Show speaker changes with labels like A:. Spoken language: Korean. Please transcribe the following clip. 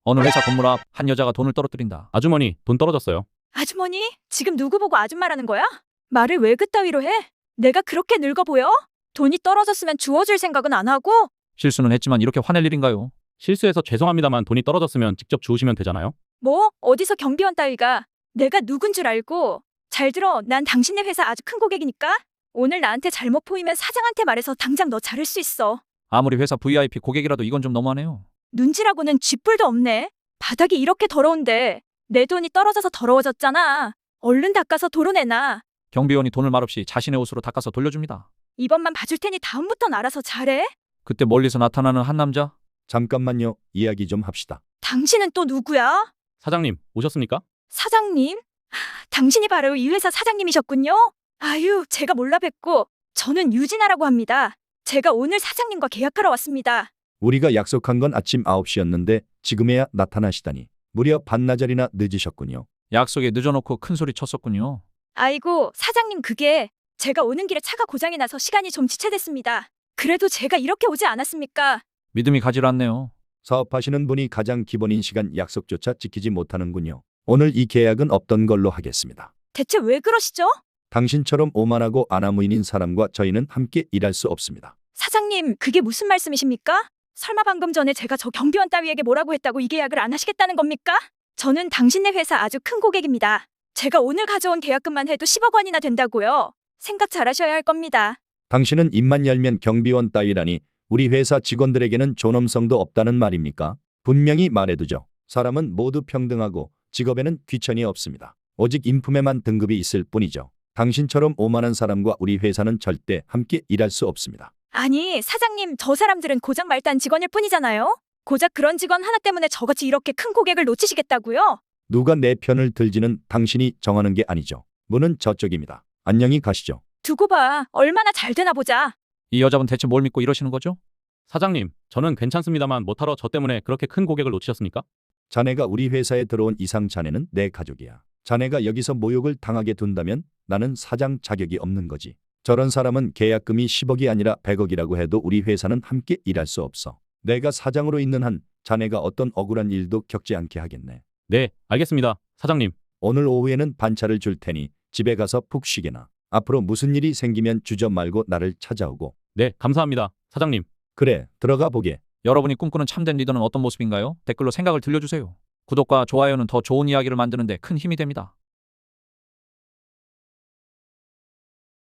A: 어느 회사 건물 앞 한 여자가 돈을 떨어뜨린다.
B: 아주머니, 돈 떨어졌어요.
C: 아주머니? 지금 누구 보고 아줌마라는 거야? 말을 왜 그따위로 해? 내가 그렇게 늙어 보여? 돈이 떨어졌으면 주워줄 생각은 안 하고?
A: 실수는 했지만 이렇게 화낼 일인가요?
B: 실수해서 죄송합니다만 돈이 떨어졌으면 직접 주우시면 되잖아요.
C: 뭐? 어디서 경비원 따위가? 내가 누군 줄 알고? 잘 들어, 난 당신네 회사 아주 큰 고객이니까? 오늘 나한테 잘못 보이면 사장한테 말해서 당장 너 자를 수 있어.
A: 아무리 회사 VIP 고객이라도 이건 좀 너무하네요.
C: 눈치라고는 쥐뿔도 없네. 바닥이 이렇게 더러운데 내 돈이 떨어져서 더러워졌잖아. 얼른 닦아서 도로 내놔.
A: 경비원이 돈을 말없이 자신의 옷으로 닦아서 돌려줍니다.
C: 이번만 봐줄 테니 다음부턴 알아서 잘해.
A: 그때 멀리서 나타나는 한 남자.
D: 잠깐만요. 이야기 좀 합시다.
C: 당신은 또 누구야?
B: 사장님, 오셨습니까?
C: 사장님? 당신이 바로 이 회사 사장님이셨군요. 아유, 제가 몰라 뵙고. 저는 유진아라고 합니다. 제가 오늘 사장님과 계약하러 왔습니다.
D: 우리가 약속한 건 아침 9시였는데 지금에야 나타나시다니. 무려 반나절이나 늦으셨군요.
A: 약속에 늦어놓고 큰 소리 쳤었군요.
C: 아이고, 사장님 그게 제가 오는 길에 차가 고장이 나서 시간이 좀 지체됐습니다. 그래도 제가 이렇게 오지 않았습니까?
A: 믿음이 가질 않네요.
D: 사업하시는 분이 가장 기본인 시간 약속조차 지키지 못하는군요. 오늘 이 계약은 없던 걸로 하겠습니다.
C: 대체 왜 그러시죠?
D: 당신처럼 오만하고 아나무인인 사람과 저희는 함께 일할 수 없습니다.
C: 사장님, 그게 무슨 말씀이십니까? 설마 방금 전에 제가 저 경비원 따위에게 뭐라고 했다고 이 계약을 안 하시겠다는 겁니까? 저는 당신네 회사 아주 큰 고객입니다. 제가 오늘 가져온 계약금만 해도 10억 원이나 된다고요. 생각 잘하셔야 할 겁니다.
D: 당신은 입만 열면 경비원 따위라니 우리 회사 직원들에게는 존엄성도 없다는 말입니까? 분명히 말해두죠. 사람은 모두 평등하고 직업에는 귀천이 없습니다. 오직 인품에만 등급이 있을 뿐이죠. 당신처럼 오만한 사람과 우리 회사는 절대 함께 일할 수 없습니다.
C: 아니, 사장님, 저 사람들은 고작 말단 직원일 뿐이잖아요. 고작 그런 직원 하나 때문에 저같이 이렇게 큰 고객을 놓치시겠다고요?
D: 누가 내 편을 들지는 당신이 정하는 게 아니죠. 문은 저쪽입니다. 안녕히 가시죠.
C: 두고 봐. 얼마나 잘 되나 보자.
A: 이 여자분 대체 뭘 믿고 이러시는 거죠?
B: 사장님, 저는 괜찮습니다만 못하러 저 때문에 그렇게 큰 고객을 놓치셨습니까?
D: 자네가 우리 회사에 들어온 이상 자네는 내 가족이야. 자네가 여기서 모욕을 당하게 둔다면 나는 사장 자격이 없는 거지. 저런 사람은 계약금이 10억이 아니라 100억이라고 해도 우리 회사는 함께 일할 수 없어. 내가 사장으로 있는 한 자네가 어떤 억울한 일도 겪지 않게 하겠네.
B: 네, 알겠습니다. 사장님.
D: 오늘 오후에는 반차를 줄 테니 집에 가서 푹 쉬게나. 앞으로 무슨 일이 생기면 주저 말고 나를 찾아오고.
B: 네, 감사합니다. 사장님.
D: 그래, 들어가 보게.
A: 여러분이 꿈꾸는 참된 리더는 어떤 모습인가요? 댓글로 생각을 들려주세요. 구독과 좋아요는 더 좋은 이야기를 만드는 데 큰 힘이 됩니다.